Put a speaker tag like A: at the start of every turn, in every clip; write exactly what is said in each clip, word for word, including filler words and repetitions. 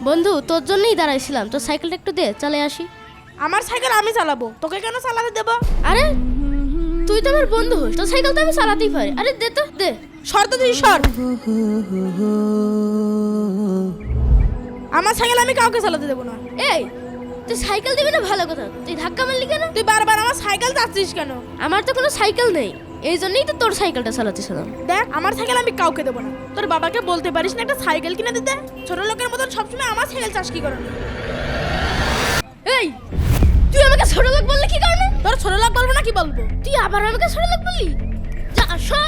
A: বন্ধু তোর জন্যই দাঁড়াইছিলাম, তোর সাইকেলটা একটু দে, চালে আসি।
B: আমার সাইকেল আমি চালাবো, তোকে কেন চালাতে দেব?
A: আরে তুই তো আমার বন্ধু, তোর সাইকেল তো আমি চালাতেই পারি। আরে দে তো, দে।
B: সর তো তুই সর। আমার সাইকেল আমি কাউকে চালাতে দেবো না।
A: এই তুই সাইকেল দিবি না ভালো কথা, তুই ধাক্কা মারলি কেন?
B: তুই বারবার আমার সাইকেল চাচ্ছিস কেন?
A: আমার তো কোনো সাইকেল নেই, এই জন্যই তো তোর সাইকেলটা চালাতেছিলাম।
B: দেখ আমার সাইকেল আমি কাউকে দেবো না। তোর বাবাকে বলতে পারিস না একটা সাইকেল কিনে দিতে? ছোট লোকের মতন সবসময় আমার সাইকেল চাষ কি করেন?
A: এই তুই আমাকে ছোট লোক বললি কি কারণে?
B: তোর ছোট লোক বলবো না কি বলবো?
A: তুই আবার আমাকে ছোট লোক বললি? যা সর।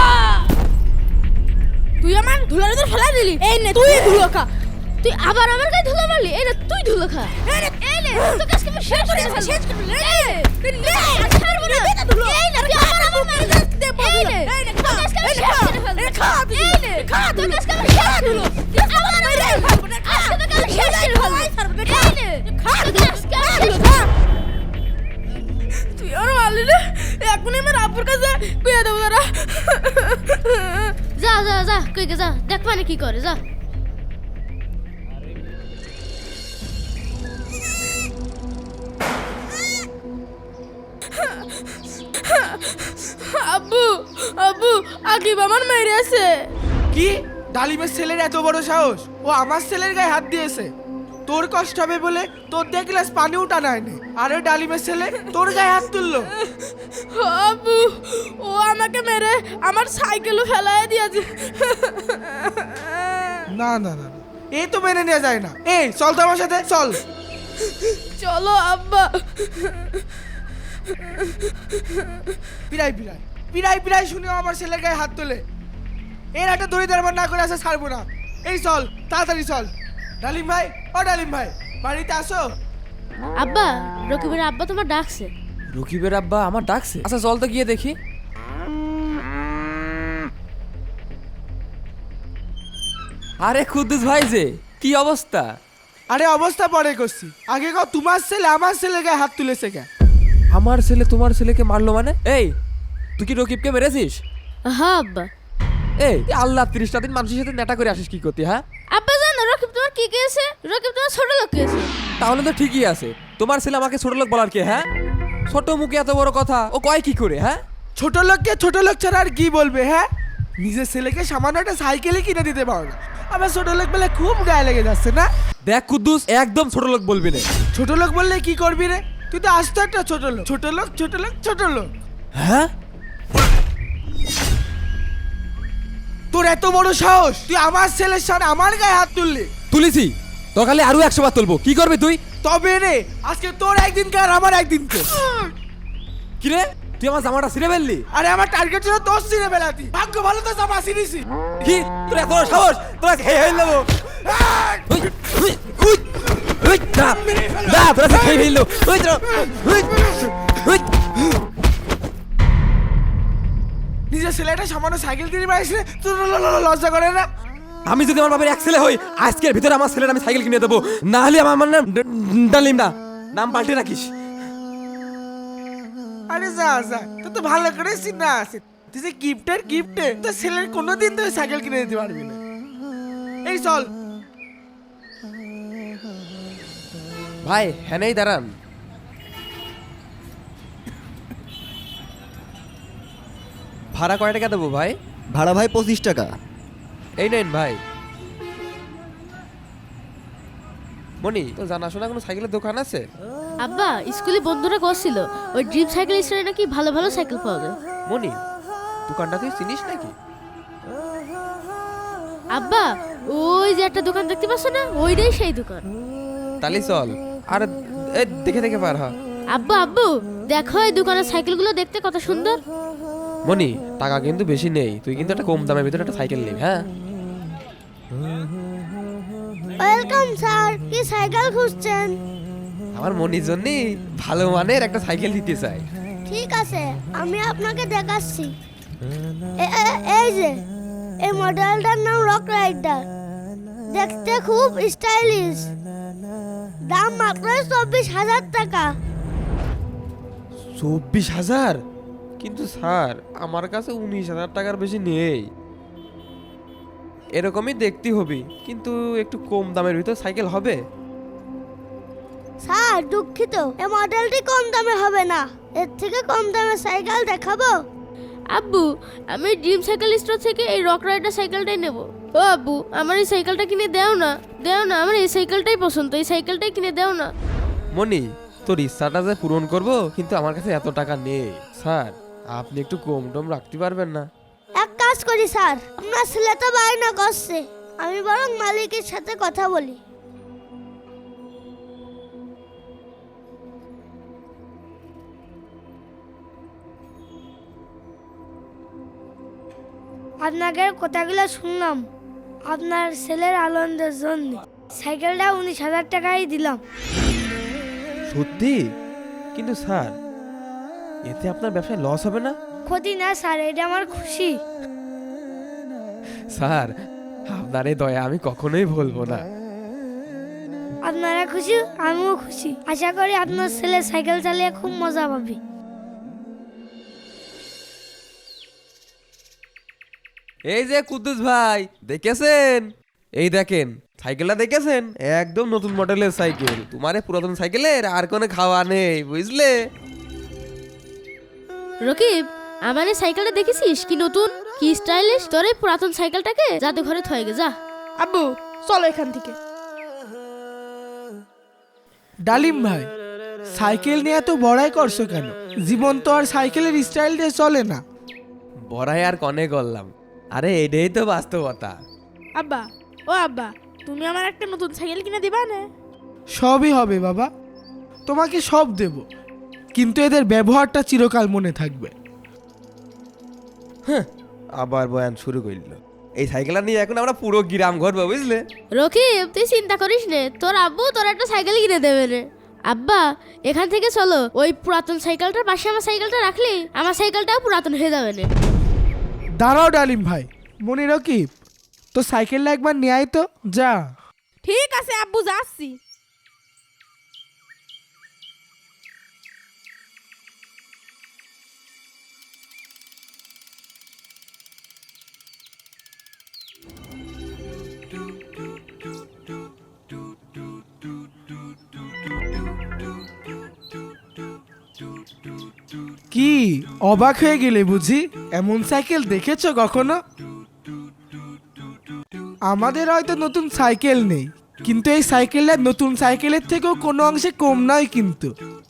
B: তুই আমার ধুলার ভিতর ফেলা দিলি। এই নে তুই ধুলো খা।
A: তুই আবার আমার গায়ে ধুলো মারলি? এই না তুই ধুলো খা।
B: এই নে
A: এই নে তোকে আজকে আমি শেষ করে ফেলবো।
B: শেষ করে ফেলবো।
A: এই নে নে আর ছাড়বো না।
B: এই নে ধুলো।
A: এই নে তুই আবার আমার গায়ে দে। এই নে
B: এই নে
A: তোকে আজকে আমি শেষ করে ফেলবো।
B: এই খা তুই।
A: এই নে
B: খা
A: তোকে আজকে আমি শেষ করে ফেলবো। তুই আবার আমার গায়ে ফেলবো না। আজকে তোকে আমি শেষ করে ফেলবো। এই নে খা তোকে আজকে আমি শেষ করে ফেলবো।
B: তুই আর মারলি রে। এখনই আমার আব্বুর কাছে কইয়া দেবো দাঁড়া।
A: যা যা যা কই গে যা, দেখ মানে কি করে, যা।
B: আব্বু আব্বু আকিব আমার মেরে আছে।
C: কি? ডালিমের ছেলের এত বড় সাহস, ও আমার ছেলের গায়ে হাত দিয়েছে। তোর কষ্ট হবে বলে তোর দিয়ে গ্লাস পানি উঠা নাইনি, আর ওই ডালিমের ছেলে তোর গায়ে হাত তুললো।
B: আব্বু ও আমাকে মেরে আমার সাইকেলও ফেলায় দিয়েছে।
C: না না না না, এ তো মেনে নেওয়া যায় না। এই চল তো আমার সাথে, চল।
B: চলো আব্বা।
C: পিরাই পিরাই পিরাই পিরাই শুনেও আমার ছেলের গায়ে হাত তোলে। এর একটা দড়ি দাঁড়াবার না করে আসা ছাড়বো না। এই চল তাড়াতাড়ি চল। ডালিম ভাই, ও ডালিম ভাই, বাড়িতে আসো।
A: আব্বা, রকিবের আব্বা তোমার ডাকছে।
D: রকিবের আব্বা আমার ডাকছে? আচ্ছা চল তো গিয়ে দেখি। আরে কুদ্দুস ভাই যে কি অবস্থা?
C: আরে অবস্থা পরে করছি, আগে কও তোমার ছেলে আমার ছেলের গায়ে হাত তুলেছে কে?
D: আমার ছেলে তোমার ছেলেকে মারলো মানে? এই তুই কি রকিবকে মেরেছিস?
A: হ্যাঁ আব্বা।
D: এই তুই আল্লাহ ত্রিশটা দিন মানুষের সাথে নেটা করে আসিস কি করতে? হ্যাঁ
A: আব্বা জানো রকিব তোমার কি কেছে? রকিব তোমার ছোট লোক কেছে।
D: তাহলে তো ঠিকই আছে, তোমার ছেলে আমাকে ছোট লোক বলার কে? হ্যাঁ ছোট মুখে এত বড় কথা ও কয় কি করে? হ্যাঁ
C: ছোট লোককে ছোট লোক ছাড়া আর কি বলবে? হ্যাঁ নিজের ছেলেকে সামান্য একটা সাইকেলই কিনে দিতে পারো না, আবার ছোট লোক বলে খুব গায়ে লেগে যাচ্ছে না?
D: দেখ কুদ্দুস, একদম ছোট লোক বলবি না।
C: ছোট লোক বললে কি করবি রে? তুই তো আসতো একটা ছোট লোক। ছোট লোক ছোট লোক ছোট লোক।
D: হ্যাঁ
C: তোর এত বড় সাহস, তুই আমার ছেলের সামনে আমার গায়ে হাত তুললি?
D: তুলেছি তো খালি আরো একশো বার তুলবো, কি করবি তুই?
C: তবে রে আজকে তোর একদিন কে আর আমার একদিন কে?
D: কি রে তুই আমার জামাটা ছিঁড়ে ফেললি?
C: আরে আমার টার্গেট ছিল তোর ছিঁড়ে ফেলাতি, ভাগ্য ভালো তো জামা ছিঁড়িছি।
D: কি তোর এত বড় সাহস? তোরা খেয়ে ফেল দেবো। উই, উই, উই, উই, না, না, তোরা খেয়ে ফেললো। উই, তোরা, উই, উই।
C: নিজের ছেলেটা সামান্য সাইকেল কিনে পাইছে, তোর ল- ল- ল- লজ্জা করে না?
D: আমি যদি আমার বাবার এক ছেলে হই, আজকের ভিতরে আমার ছেলের আমি সাইকেল কিনে দেবো, না হলে আমার আমার নাম ড- ডালিম না, নাম পাল্টে রাখিস।
C: আরে যা যা, তোর তো ভালো করে চিন্তা আছে। তুই যে গিফটের গিফটে তোর ছেলের কোনোদিন তুই সাইকেল কিনে দিতে পারবি না। এই চল।
D: ভাই হ্যাঁ দাঁড়ান। ভাড়া কয় টাকা দেবো ভাই?
E: ভাড়া ভাই পঁচিশ টাকা।
D: এই নেন ভাই। মনি তো জানাশোনা কোনো সাইকেলের দোকান আছে?
A: আব্বা স্কুলে বন্ধুরা করছিল ওই ড্রিম সাইকেল স্টোরে নাকি ভালো ভালো সাইকেল পাওয়া যায়।
D: মনি দোকানটা তুই চিনিস নাকি?
A: আব্বা ওই যে একটা দোকান দেখতে পাচ্ছ না, ওইটাই সেই দোকান।
D: তাহলে চল। আর এ দেখে দেখে পার হ।
A: আব্বা আব্বু দেখো এই দোকানের সাইকেলগুলো দেখতে কত সুন্দর।
D: মনি টাকা কিন্তু বেশি নেই, তুই কিন্তু একটা কম দামের ভিতরে একটা সাইকেল নিবি। হ্যাঁ
F: ওয়েলকাম স্যার, কি সাইকেল খুঁজছেন?
D: আমার মনির জন্য ভালো মানের একটা সাইকেল দিতে চাই।
F: ঠিক আছে আমি আপনাকে দেখাচ্ছি। এ- এ- এই যে এই মডেলটার নাম রক রাইডার, দেখতে খুব স্টাইলিশ, দাম মাত্র চব্বিশ হাজার টাকা।
D: চব্বিশ হাজার? কিন্তু স্যার আমার কাছে উনিশ হাজার টাকার বেশি নেই। এরকমই দেখতে হবে, কিন্তু একটু কম দামের ভিতর সাইকেল হবে?
F: স্যার দুঃখিত, এই মডেলটি কম দামে হবে না, এর থেকে কম দামে সাইকেল দেখাবো।
A: আব্বু, আমি ড্রিম সাইকেল স্টোর থেকে এই রক রাইডার সাইকেলটাই নেব। ও আব্বু, আমার এই সাইকেলটা কিনে দাও না, দাও না, আমার এই সাইকেলটাই পছন্দ, এই সাইকেলটাই কিনে দাও না।
D: মনি, তোর ইচ্ছাটা যে পূরণ করব, কিন্তু আমার কাছে এত টাকা নেই। স্যার, আপনি একটু কম টম রাখতে পারবেন না?
F: এক কাজ করি স্যার, আপনার ছেলে তো বায়না করছে, আমি বরং মালিকের সাথে কথা বলি। আপনাদের কথাগুলো শুনলাম, আপনার ছেলের আনন্দের জন্য সাইকেলটা উনিশ হাজার টাকাই দিলাম।
D: সত্যি? কিন্তু স্যার, এতে আপনার ব্যবসায় লস হবে না?
F: ক্ষতি না স্যার, এটা আমার খুশি।
D: স্যার, আপনার এই দয়া আমি কখনোই ভুলবো না।
F: আপনারা খুশি, আমিও খুশি। আশা করি আপনার ছেলে সাইকেল চালিয়ে খুব মজা পাবে।
D: এই যে কুদ্দুস ভাই, দেখেছেন? এই দেখেন সাইকেলটা, দেখেছেন? একদম নতুন মডেলের সাইকেল। তোমার এই পুরাতন সাইকেলের আর কোনো খাওয়া নেই, বুঝলে?
A: রকিব, আমার এই সাইকেলটা দেখেছিস কি নতুন, কি স্টাইলিশ? তোর এই পুরাতন সাইকেলটাকে যাতে ঘরে থয়ে গে যা।
B: আব্বু চলো এখান থেকে।
C: ডালিম ভাই, সাইকেল নিয়ে এত বড়াই করছো কেন? জীবন তো আর সাইকেলের স্টাইল দিয়ে চলে না।
D: বড়াই আর কনে করলাম, আরে এটাই তো বাস্তবতা।
B: আব্বা, ও আব্বা, তুমি আমার একটা নতুন সাইকেল কিনে দিবা না?
C: সবই হবে বাবা, তোমাকে সব দেব, কিন্তু এদের ব্যবহারটা চিরকাল মনে থাকবে।
D: হ্যাঁ, আবার বয়ান শুরু করল। এই সাইকেলটা নিয়ে এখন আমরা পুরো গ্রাম ঘুরবো, বুঝলে?
A: রকিব, তুই চিন্তা করিস নে, তোর আব্বু তোর একটা সাইকেল কিনে দেবে রে। আব্বা, এখান থেকে চলো, ওই পুরাতন সাইকেলটার পাশে আমার সাইকেলটা রাখলে আমার সাইকেলটাও পুরাতন হয়ে যাবে না।
C: দাঁড়াও ডালিম ভাই, মনে রকিব, তো সাইকেলটা একবার নিয়ে আয় তো, যা।
B: ঠিক আছে আব্বু, যাচ্ছি।
C: কি অবাক হয়ে গেলে বুঝি? এমন সাইকেল দেখেছো কখনো? আমাদের হয়তো নতুন সাইকেল নেই, কিন্তু এই সাইকেলটা নতুন সাইকেলের থেকেও কোনো অংশে কম নয়। কিন্তু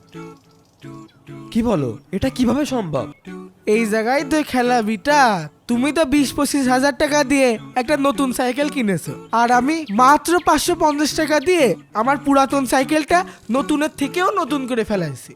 D: কি বলো, এটা কিভাবে সম্ভব?
C: এই জায়গায় তো খেলা বিটা, তুমি তো বিশ পঁচিশ হাজার টাকা দিয়ে একটা নতুন সাইকেল কিনেছো, আর আমি মাত্র পাঁচশো পঞ্চাশ টাকা দিয়ে আমার পুরাতন সাইকেলটা নতুনের থেকেও নতুন করে ফেলাইছি।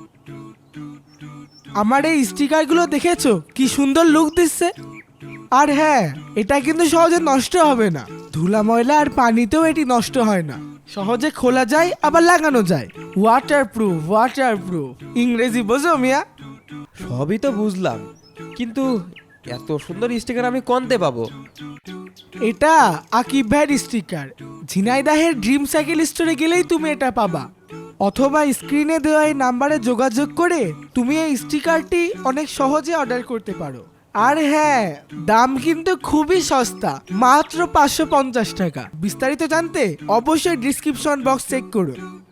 C: আমার এই স্টিকারগুলো দেখেছো কি সুন্দর লুক দিচ্ছে? আর হ্যাঁ, এটা কিন্তু সহজে নষ্ট হবে না, ধুলা ময়লা আর পানিতেও এটি নষ্ট হয় না, সহজে খোলা যায় আবার লাগানো যায়। Waterproof, waterproof. ইংরেজি বোঝো মিয়া?
D: সবই তো বুঝলাম, কিন্তু এত সুন্দর স্টিকার আমি কোনতে পাবো?
C: এটা আকিব ভাইয়ের স্টিকার, ঝিনাইদাহের ড্রিম সাইকেল স্টোরে গেলেই তুমি এটা পাবা, অথবা স্ক্রিনে দেওয়া এই নাম্বারে যোগাযোগ করে তুমি এই স্টিকারটি অনেক সহজে অর্ডার করতে পারো। আর হ্যাঁ, দাম কিন্তু খুবই সস্তা, মাত্র পাঁচশো পঞ্চাশ টাকা। বিস্তারিত জানতে অবশ্যই ডিসক্রিপশন বক্স চেক করুন।